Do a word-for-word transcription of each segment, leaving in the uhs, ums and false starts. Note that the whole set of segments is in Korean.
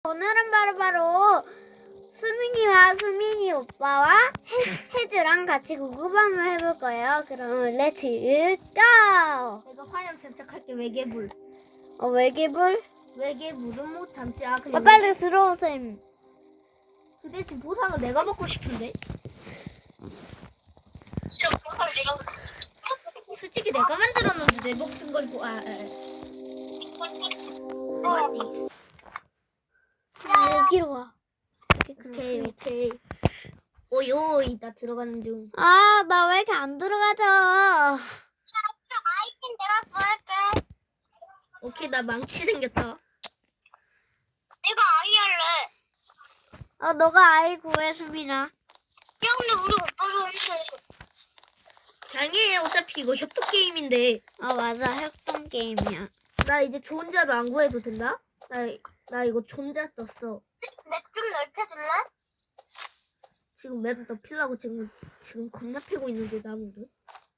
오늘은 바로바로 수민이와 수민이 오빠와 해, 혜주랑 같이 구구밤을 해볼 거예요. 그럼 렛츠 고! 내가 화염 장착할게. 외계불. 어, 외계불? 외계불은 못 참지. 아 아, 그냥 빨리 들어오셈. 그 대신 보상은 내가 먹고 싶은데. 싫어, 보상 내가 솔직히 내가 만들었는데 내 목숨 걸고. 아, 아, 아. 어디? 아, 여기로 와. 오케이 오케이. 오요이 나 들어가는 중. 아, 나 왜 이렇게 안 들어가죠? 아이템 내가 구할게. 오케이 나 망치 생겼다. 내가 아이 할래. 어, 너가 아이 구해, 수민아. 야, 근데 우리 오빠도 했어. 당연히 어차피 이거 협동 게임인데. 아, 맞아. 협동 게임이야. 나 이제 존자로 안 구해도 된다? 나, 나 이거 존자 떴어. 맵 좀 넓혀줄래? 지금 맵 넓히려고 지금 지금 겁나 패고 있는데 나무를.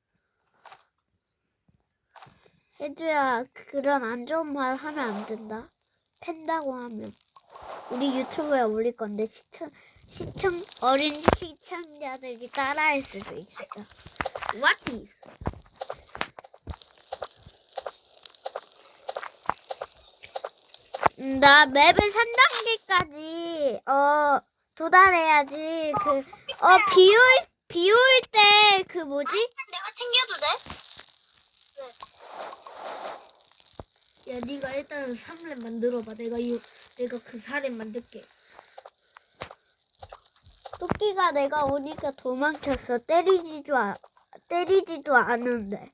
혜주야, 그런 안 좋은 말 하면 안 된다. 팬다고 하면. 우리 유튜브에 올릴 건데 시청, 시청, 어린 시청자들이 따라할 수도 있어. What is? 음, 나 맵을 삼 단계까지, 어, 도달해야지. 그, 어, 비 올, 비 올 때, 그 뭐지? 내가 챙겨도 돼? 야 네가 일단 삼 렙 만들어봐. 내가 이 내가 그 사 렙 만들게. 토끼가 내가 오니까 도망쳤어. 때리지도, 아, 때리지도 않은데.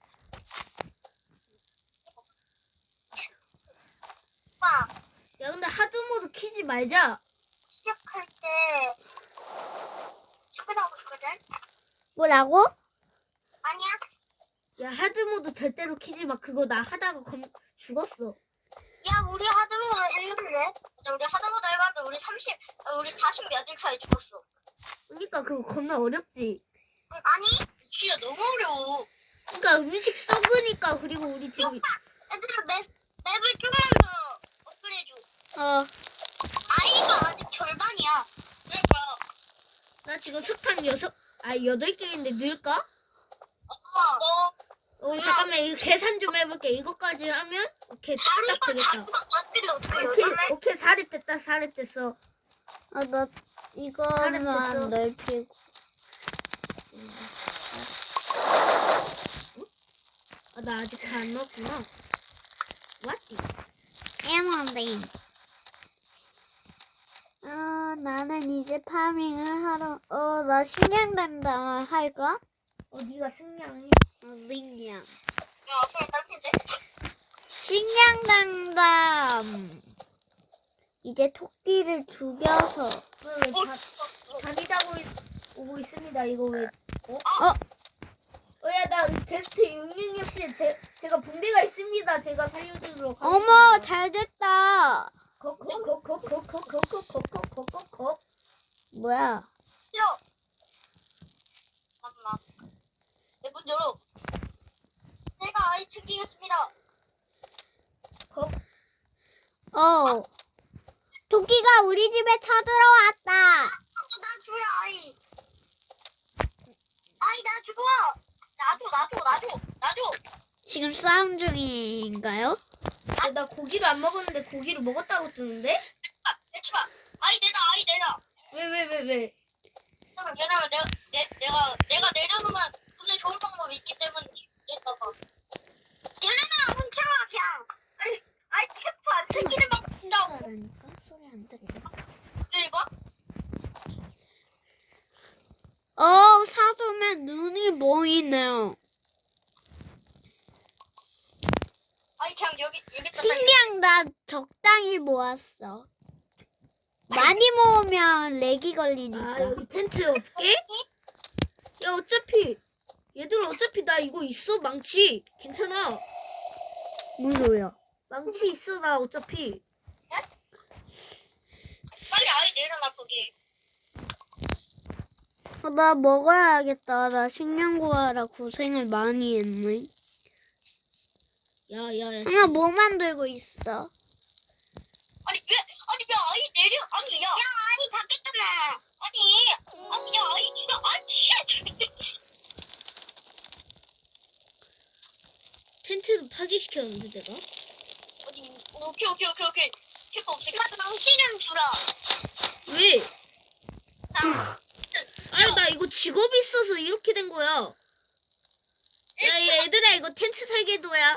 오빠, 야 근데 하드 모드 키지 말자. 시작할 때 축구하고 있거든? 뭐라고? 아니야? 야 하드 모드 절대로 키지 마. 그거 나 하다가 검 죽었어. 야, 우리 하드보드 했는데? 맞아, 우리 하드보드 해봤는데 우리 삼십, 아, 우리 사십 몇 일 차에 죽었어. 그러니까 그거 겁나 어렵지. 응, 아니? 진짜 너무 어려워. 그러니까 음식 썩으니까. 그리고 우리 지금 얘들아, 맵, 맵을 조금만 더 업그레이드. 어, 아이가 아직 절반이야. 그러니까. 나 지금 석탄 여섯 아 여덟 개인데 넣을까? 엄마, 너 어 잠깐만 이거 계산 좀 해볼게. 이거까지 하면 오케이 딱 자루가 되겠다. 자루가 같은데 어떻게 오케이 여덟 개? 오케이 사 렙 됐다. 사 렙 됐어. 아, 나 됐어. 이거만 넓히고. 아, 나 아직 다 안 넣었구나. What is? 에머링. 어, 나는 이제 파밍을 하러, 어, 나 식량당당 할까? 어 네가 승량이. 어, 식량. 야, 그래, 딸핀데. 식량당당. 이제 토끼를 죽여서. 왜왜 밤이 다고 오고 있습니다. 이거 왜? 어? 어, 어야 나 게스트 육육육 씨 제 제가 붕대가 있습니다. 제가 살려주도록 하겠습니다. 어머, 잘 됐다. 콕콕콕콕콕콕콕콕콕콕콕콕. 뭐야? 야! 잠깐만. 내 문 열어. 내가 아이 챙기겠습니다. 콕. 어. 토끼가 우리 집에 쳐들어왔다. 나 주라, 아이. 아이, 나 줘. 나줘, 나줘, 나줘, 나줘. 지금 싸움 중인가요? 아, 나 고기를 안 먹었는데 고기를 먹었다고 뜨는데? 아, 내치마. 아이, 내놔, 아이, 내놔. 왜 왜 왜 왜? 왜냐면 내가, 내, 내가, 내가 내려놓으면 굉장히 좋은 방법이 있기 때문에 내놔봐. 내려놔, 훔쳐봐, 그냥. 아이, 아이, 캠프 안 생기는 방법 있다고. 그러니까 소리 안 들려. 이거? 어, 사소면 눈이 보이네요. 아이, 그냥 여기, 여기다. 식량 나 적당히 모았어. 많이 모으면 렉이 아 걸리니까. 여기 텐트 없게? 야 어차피 얘들 어차피 나 이거 있어 망치. 괜찮아. 무슨 소리야? 망치 있어 나 어차피. 빨리 아이 내려놔, 거기. 어, 나 먹어야겠다. 나 식량 구하라 고생을 많이 했네. 야야야. 나 뭐 만들고 있어? 아니, 왜, 아니, 야, 내려? 아니 야, 야 아니 바뀌었잖아. 아니 아니 야 아니 진짜 아니 쉣. 텐트를 파괴시켰는데 내가? 아니 오케이 오케이 오케이 오케이. 캐파 없이 당신은 주라. 왜? 당. 아니 나 이거 직업이 있어서 이렇게 된 거야. 야 얘들아 이거 텐트 설계도야.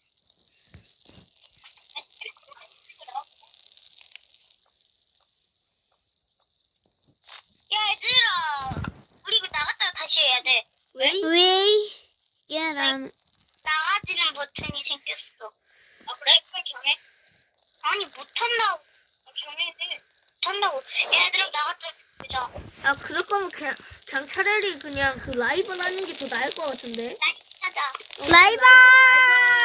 야 얘들아 우리 이거 나갔다가 다시 해야 돼. 왜? 왜? 얘랑 나가지는 버튼이 생겼어. 아 그래? 그럼 정해. 아니 못한다고. 아, 정해. 못한다고. 얘들아 나갔다 보자. 아 그럴 거면 그냥 그냥 차라리 그냥 그 라이벌 하는 게 더 나을 것 같은데. 하자. 어, 라이벌!